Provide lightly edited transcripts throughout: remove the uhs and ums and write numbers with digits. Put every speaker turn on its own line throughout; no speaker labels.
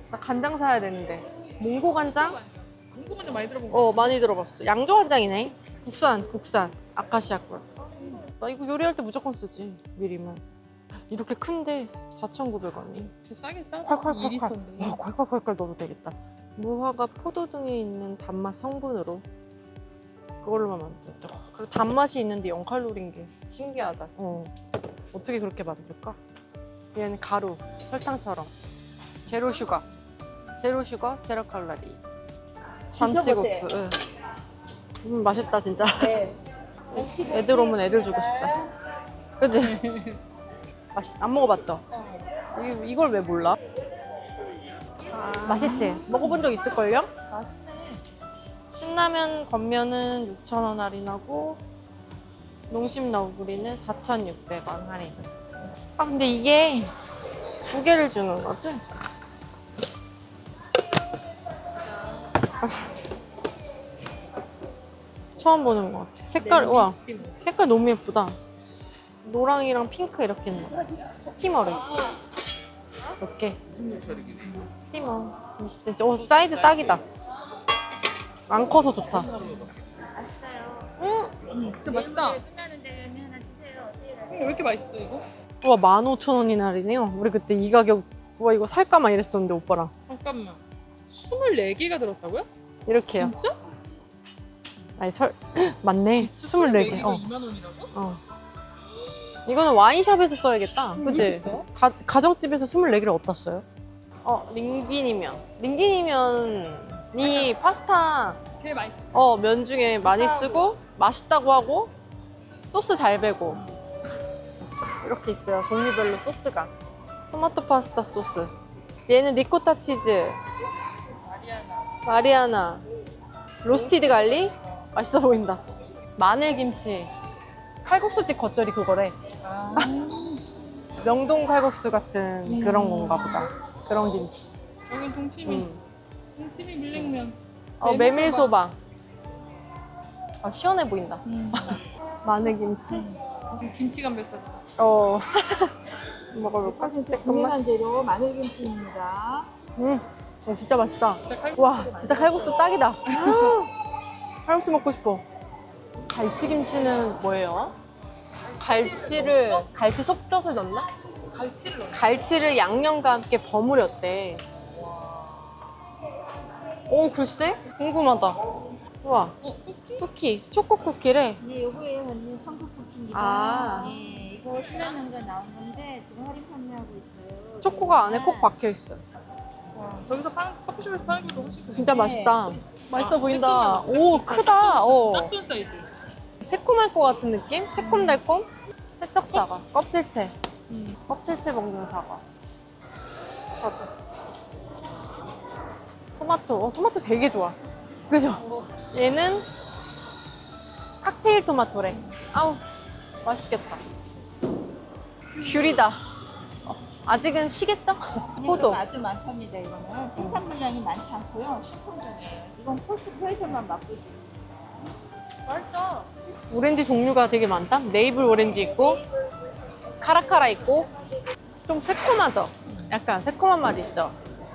나 간장 사야 되는데. 몽고 간장?
몽고 간장 많이 들어본 거.
많이 들어봤어. 양조 간장이네. 국산. 아카시아 꿀. 나 이거 요리할 때 무조건 쓰지. 미리만. 이렇게 큰데 4,900원이.
진짜 싸게 싸.
콸콸콸콸.
2리터인데.
콸콸콸콸 넣어도 되겠다. 무화과 포도 등에 있는 단맛 성분으로 그걸로만 만들었더라. 그리고 단맛이 있는데 0칼로리인 게 신기하다. 어떻게 그렇게 만들까? 얘는 가루, 설탕처럼. 제로 슈가, 제로 칼로리. 잔치국수. 응. 맛있다 진짜.
네.
애들 오면 애들 주고 싶다. 그치? 안 먹어봤죠? 이걸 왜 몰라? 맛있지? 먹어본 적 있을걸요?
맛있네.
신라면 건면은 6,000원 할인하고 농심 너구리는 4,600원 할인. 아 근데 이게 2개를 주는 거지? 처음 보는 것 같아. 색깔, 우와. 색깔 너무 예쁘다. 노랑이랑 핑크 이렇게 있는 거. 스티머를. 이렇게. 스티머. 20cm. 오, 사이즈 딱이다. 안 커서 좋다.
진짜 맛있다.
끝나는데 하나 주세요.
왜 이렇게 맛있어 이거?
우와, 15,000원이 할인이요? 우리 그때 이 가격, 우와, 이거 살까 막 이랬었는데, 오빠랑.
잠깐만. 24개가 들었다고요?
이렇게요.
진짜?
아니, 맞네. 24개.
24개가 2만 원이라고?
이거는 와인샵에서 써야겠다. 그치?
있어?
가정집에서 24개를 어디다 써요? 링기니면. 링기니면이 파스타
제일 맛있어.
면 중에 많이 쓰고 맛있다고 하고 소스 잘 배고 이렇게 있어요. 종류별로 소스가. 토마토 파스타 소스. 얘는 리코타 치즈. 마리아나. 로스티드 갈릭. 맛있어 보인다. 마늘김치. 칼국수집 겉절이 그거래. 명동 칼국수 같은 그런 건가 보다. 그런 김치.
여긴 동치미. 동치미 밀냉면.
메밀소바. 시원해 보인다.
음.
마늘김치.
무슨 김치 감백살.
먹어볼까? 잠깐만.
국내산 재료 마늘김치입니다.
진짜 맛있다.
진짜 칼국수
와, 진짜 칼국수 딱이다. 칼국수 먹고 싶어. 갈치김치는 뭐예요? 갈치 섭젓을 넣나?
갈치를 넣어.
갈치를 양념과 함께 버무렸대. 오, 글쎄? 궁금하다. 우와, 쿠키, 초코 쿠키래.
네, 요거에 언니 청국 쿠키입니다.
아.
네, 이거 신라면과 나온 건데 지금 할인 판매하고 있어요.
초코가 안에 콕 박혀 있어.
저기서 커피숍에서 파는 것도 훨씬 크지.
진짜 맛있다. 맛있어 보인다.
쬐끔하다.
오, 크다.
딱 좋은 사이즈.
새콤할 것 같은 느낌? 새콤달콤? 세척 사과. 껍질채. 껍질채 먹는 사과. 저도. 토마토. 토마토 되게 좋아. 그죠? 얘는 칵테일 토마토래. 아우, 맛있겠다. 귤이다. 아직은 시겠죠? 포도.
아주 많답니다. 이거는 생산 물량이 많지 않고요. 신품종이에요. 이건 코스트코에서만 맛볼 수 있습니다.
맛있어.
오렌지 종류가 되게 많다. 네이블 오렌지 있고 카라카라 있고 좀 새콤하죠? 약간 새콤한 맛 있죠?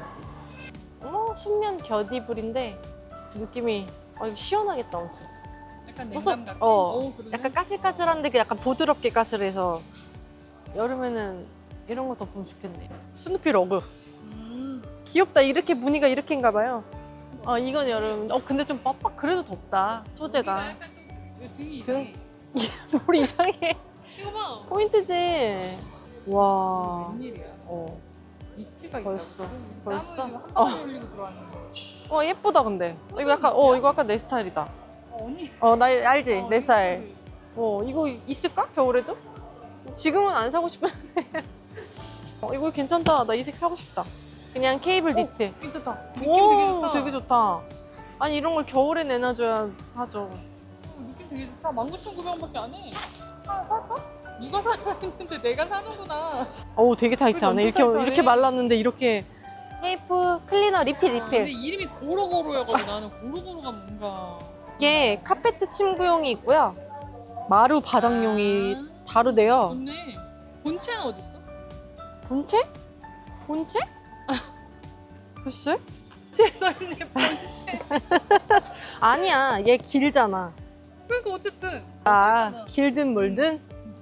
신면 겨디불인데 느낌이 이거 시원하겠다 엄청.
약간
버섯,
냉감 같아. 그러네.
약간 까실까실한데 그 약간 부드럽게 까실해서 여름에는 이런 거 덮으면 좋겠네. 스누피 러그. 귀엽다. 이렇게 무늬가 이렇게인가 봐요. 이건 여름. 근데 좀 빡빡 그래도 덥다. 소재가.
약간 좀 등이
등?
이상해.
뭘 이상해.
이거 봐.
포인트지. 와.
웬일이야. 니트가
벌써.
있다고.
벌써?
땀을 한 방울 흘리고 들어왔는데.
예쁘다 근데. 이거 약간 내 스타일이다.
언니.
나 알지? 내 스타일. 이거 있을까? 겨울에도? 지금은 안 사고 싶은데. 이거 괜찮다. 나 이 색 사고 싶다. 그냥 케이블 니트.
괜찮다. 느낌
오,
되게 좋다.
되게 좋다. 아니 이런 걸 겨울에 내놔줘야 사죠.
느낌 되게 좋다. 19,900원밖에 안 해. 하나 살까? 누가 사야 했는데 내가 사는구나.
되게 타이트하네.
그게 엄청
이렇게
타이트하네.
말랐는데 이렇게. 테이프 클리너 리필.
근데 이름이 고로고로여가지고 나는 고로고로가 뭔가.
이게 카페트 침구용이 있고요. 마루 바닥용이 다르대요.
좋네. 본체는 어디 있어?
본체? 본체? 글쎄?
뒤에 써있네 본체.
아니야, 얘 길잖아.
그러니까 어쨌든
아, 길든 멀든?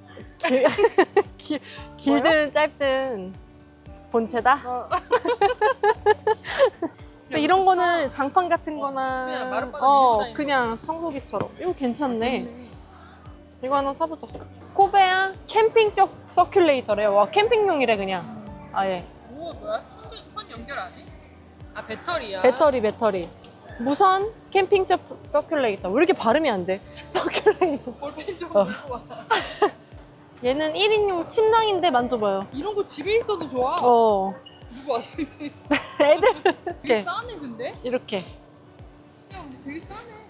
길든 짧든 본체다?
어.
근데 이런 거는 장판 같은 거나
그냥 마룻바닥 밀고 다니는
그냥 청소기처럼. 이거 괜찮네. 이거 하나 사보자. 코베아 캠핑 서큘레이터래. 와, 캠핑용이래 그냥. 아예.
오 뭐야? 선 연결 안 해? 아 배터리야.
배터리. 무선 캠핑 서큘레이터. 왜 이렇게 발음이 안 돼? 서큘레이터.
볼펜 좀
어.
들고 와.
얘는 1인용 침낭인데 만져봐요.
이런 거 집에 있어도 좋아. 누구 왔을 때.
애들
되게
이렇게.
싸네 근데?
이렇게.
야 우리 되게 싸네.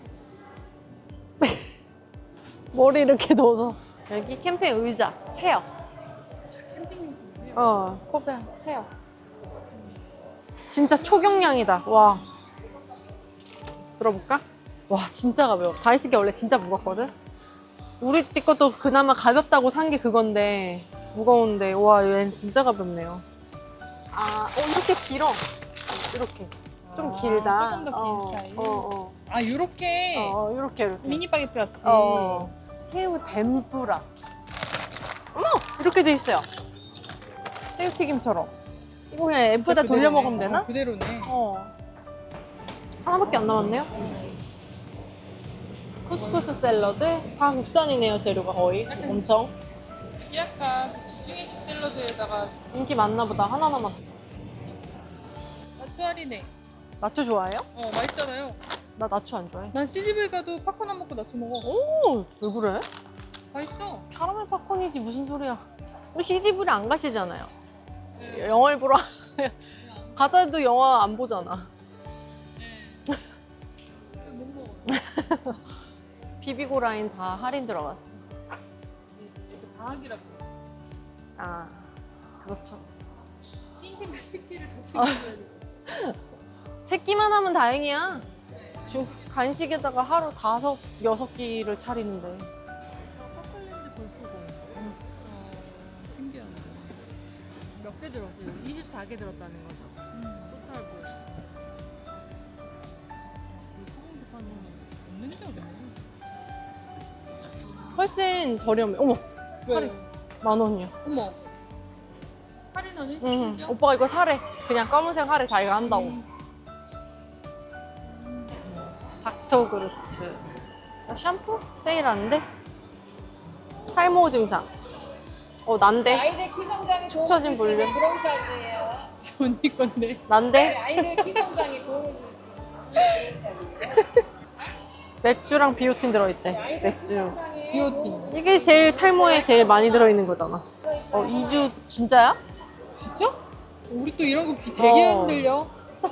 머리 이렇게 넣어서. 여기 캠핑 의자, 체어.
캠핑용품이에요.
코베아 체어. 진짜 초경량이다. 와. 들어볼까? 와, 진짜 가벼워. 다이식이 원래 진짜 무겁거든? 우리 집 것도 그나마 가볍다고 산 게 그건데, 무거운데, 와, 얘는 진짜 가볍네요. 아, 이렇게 길어. 이렇게. 좀 길다.
조금 더 긴 스타일. 아 요렇게
이렇게.
미니 바게트 같이.
새우 덴뿌라. 어머! 이렇게 돼 있어요. 새우튀김처럼. 이거 그냥 앱에다 돌려 먹으면 되나?
그대로네.
하나밖에 안 남았네요. 쿠스쿠스 샐러드. 다 국산이네요, 재료가 거의. 엄청.
약간 지중해식 샐러드에다가
인기 많나 보다. 하나 남았.
나초 할인해.
나초 좋아해요?
맛있잖아요.
나 나초 안 좋아해.
난 시집을 가도 팝콘 안 먹고 나초 먹어.
오! 왜 그래?
맛있어.
캐러멜 팝콘이지 무슨 소리야. 우리 CGV를 안 가시잖아요.
네.
영화를 보러 가자도 영화 안 보잖아.
네. 못 먹어.
비비고 라인 다 할인 들어갔어.
이렇게 방학이라고.
아, 그렇죠.
핑크랑 새끼를 같이 먹어야 돼.
새끼만 하면 다행이야. 간식에다가 하루 5, 6끼를 차리는데.
퍼플랜드 골프공. 신기하네.
몇 개 들었어요? 24개 들었다는 거죠. 토탈 볼.
없는 게 없네.
훨씬 저렴해. 어머,
왜?
10,000원이야.
어머. 할인하네?
응.
심지어?
오빠가 이거 사래. 그냥 검은색 하래. 자기가 한다고. 닥터그루트. 샴푸? 세일하는데? 탈모 증상. 난데?
아이들 키 성장에 도움을
처진
줄 수 있는
볼륨.
브러쉬이에요.
언니 건데.
난데?
아이들 키 성장에 도움을 줄
맥주랑 비오틴 들어있대. 맥주.
비오틴.
이게 제일 탈모에 제일 많이 들어있는 거잖아. 2주 진짜야?
진짜? 우리 또 이런 거 귀 되게
어.
흔들려.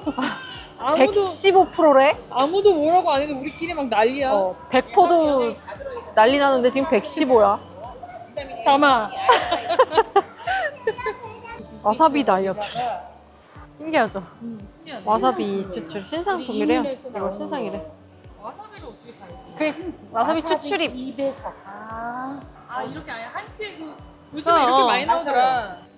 115%래?
아무도 뭐라고 안 해도 우리끼리 막 난리야.
100%도 난리 나는데 지금 115야.
담아.
와사비 다이어트. 신기하죠?
신기하네.
와사비 추출. 신상품이래요. 이거 신상이래.
와사비를 어떻게 팔지?
그 와사비 추출입.
입에서.
아 이렇게 아예 한 큐에 그 요즘에
어,
이렇게
어.
많이 나오더라.